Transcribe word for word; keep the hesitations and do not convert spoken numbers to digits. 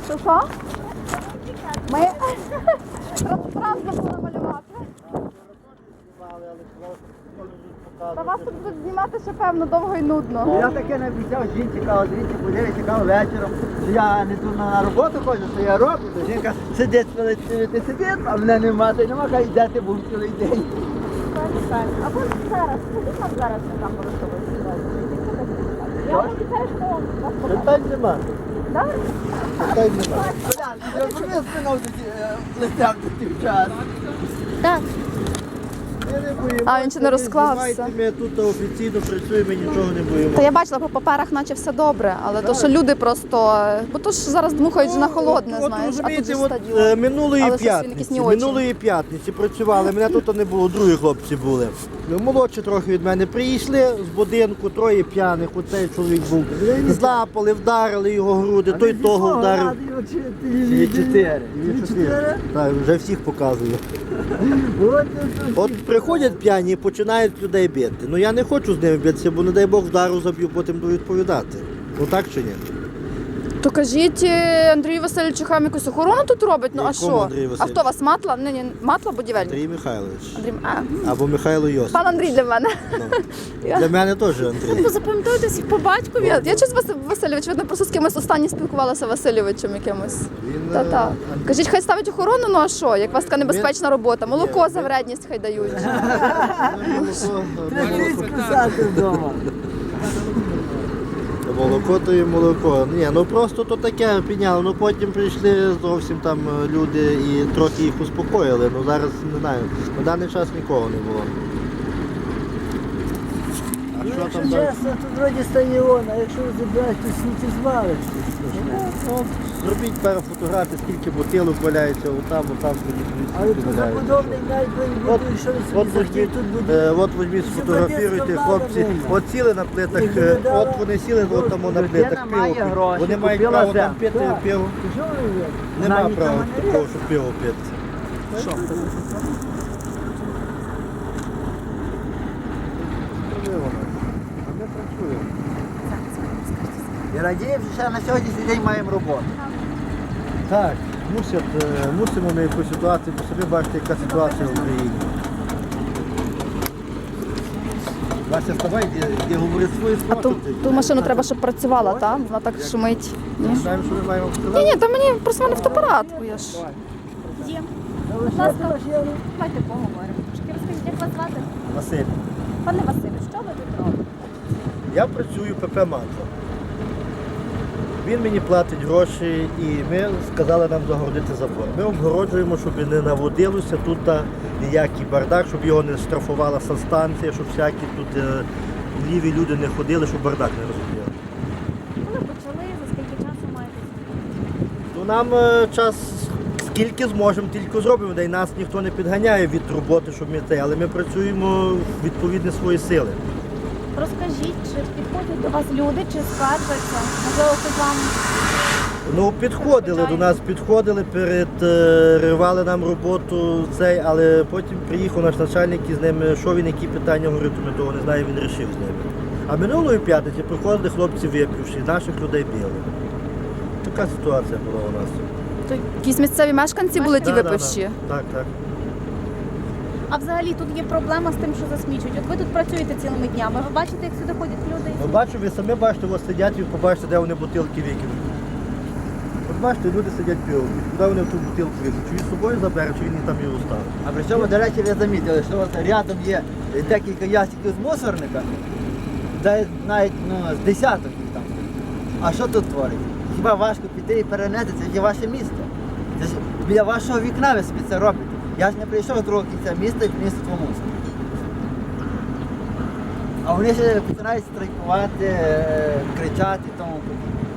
Що що? Ми раз забули малювати. Та вас тут будуть знімати ще певно довго і нудно. Я таке не обіцяв жінці, кажу, дивіться, подивіться, кажу, вечором, що я не тут на роботу ходжу, що я роблю, то жінка сидить, сидить, сидить, сидить, а мене нема, та й нема, каже, де ти був цілий день. Або зараз, скажіть нам зараз, що там порушилося. Я вам обіцяю, що вам вас покажу. Питань нема. Так? Питань нема. Я вже спинав летям до тих час. Так. Ми не боїмося. А, він ще не розклався. Знімайте, ми тут офіційно працюємо, нічого не боїмося. Та я бачила, по паперах наче все добре, але то, що люди просто... Бо то ж зараз дмухають на холодне, От, знаєш, а тут розумієте, же от, стадіон. е, минулої Але щось він якийсь п'ятниці, не очень. минулої п'ятниці працювали, мене тут не було, другі хлопці були. Ну, молодші трохи від мене прийшли з будинку, троє п'яних, оцей чоловік був. Злапали, вдарили його груди, той того вдарив. Дві чотири. Дві чотири? Так, вже всіх показую. От приходять п'яні і починають людей бити. Ну я не хочу з ними битися, бо не дай Бог вдару заб'ю, потім буду відповідати. Ну так чи ні? То кажіть, е, Андрію Васильовичу, хай якусь охорону тут робить, ну а Якому що? Андрію А Васильовичу? хто вас, Матла? Ні, ні, Матла будівельник? Андрій Михайлович. Андрій, а, Або Михайло Йосип. пан Андрій для мене. Ну, для мене теж Андрій. Ви запам'ятаєте всіх по батькові? Я, я щось Вас- Васильович, видно, просто з кимось останнє спілкувалася Васильовичем якимось. Він, Та-та. е, Кажіть, хай ставить охорону, ну а що? Як у вас така небезпечна робота? Молоко за вредність хай дають. Писати вдома. Молоко то і молоко. Ні, ну просто то таке підняло. Ну потім прийшли зовсім там люди і трохи їх успокоїли. Ну зараз не знаю. На даний час нікого не було. А що Якщо там далі? чесно, тут вроді стадіон, а якщо забрати, то сміттєзвалище. Ну, зробіть пару фотографій, скільки бутилок валяється, отам, отам, Але тоді тут валяється. забудовник навіть От, вибудує, що ви от собі захотіли візьміть, тут будує. е, от візьміть, сфотографіруйте, хлопці. От сіли на плитах, Їх е, видала. от вони сіли от там на Людина плитах має пиво. гроші, Вони мають купила право там землю. пити Так. пиво. Що ви є? Нема Вона права нікому не такого, є. щоб пиво пити. Що? А ми працюємо. І радіємо, що ще на сьогоднішній день маємо роботу. Так, мусять, е, мусимо ми якусь ситуацію, бо собі бачите, яка ситуація в Україні. Вася, вставай, де, де говорить свої А слова. ту, тут. ту машину треба, щоб працювала, так? Вона так шумить. Ми знаємо, що ми маємо Ні, сказати. ні, та мені просто в мене фотоапарат. бо я ж. Дім, Будь ласка, давайте поговоримо. Трошки розкажіть, як вас звати? Василь, Пане Василю, що ви тут робите? я працюю ПП «Матла». Він мені платить гроші і ми сказали нам загородити забор. Ми обгороджуємо, щоб не наводилося тут ніякий бардак, щоб його не штрафувала санстанція, щоб всякі тут е, ліві люди не ходили, щоб бардак не розуміли. Коли почали, за скільки часу маєте? Ну, нам е, час скільки зможемо, тільки зробимо, де й нас ніхто не підганяє від роботи, щоб ми те, але ми працюємо відповідно свої сили. Розкажіть, чи підходять до вас люди, чи скаржаться? Можливо, хтось вам Ну, підходили до нас, підходили, переривали нам роботу цей, але потім приїхав наш начальник і з ними, що він, які питання говорив, то ми того не знаю, він вирішив з ними. А минулої п'ятниці приходили хлопці випивши, наших людей били. Така ситуація була у нас. То якісь місцеві мешканці були ті Да, да, випивші. да. Так, так. А взагалі тут є проблема з тим, що засмічують. От ви тут працюєте цілими днями. Ви бачите, як сюди ходять люди? Ну, бачу, ви самі бачите, ось сидять і побачите, де вони бутилки викинуть. От бачите, люди сидять пиво, куди вони в ту бутилку викинуть? Чи він з собою забере, чи він там її оставить? А при цьому, до речі, ви замітили, що от рядом є декілька ящиків з мусорника, де навіть ну, з десяток їх там. А що тут творить? Хіба важко піти і перенести? Це є ваше місто. Це ж біля вашого вікна ви собі це робите. Я ж не прийшов з другого кінця міста і приніс тут мусор. А вони ще починають страйкувати, е, кричати і тому подібне.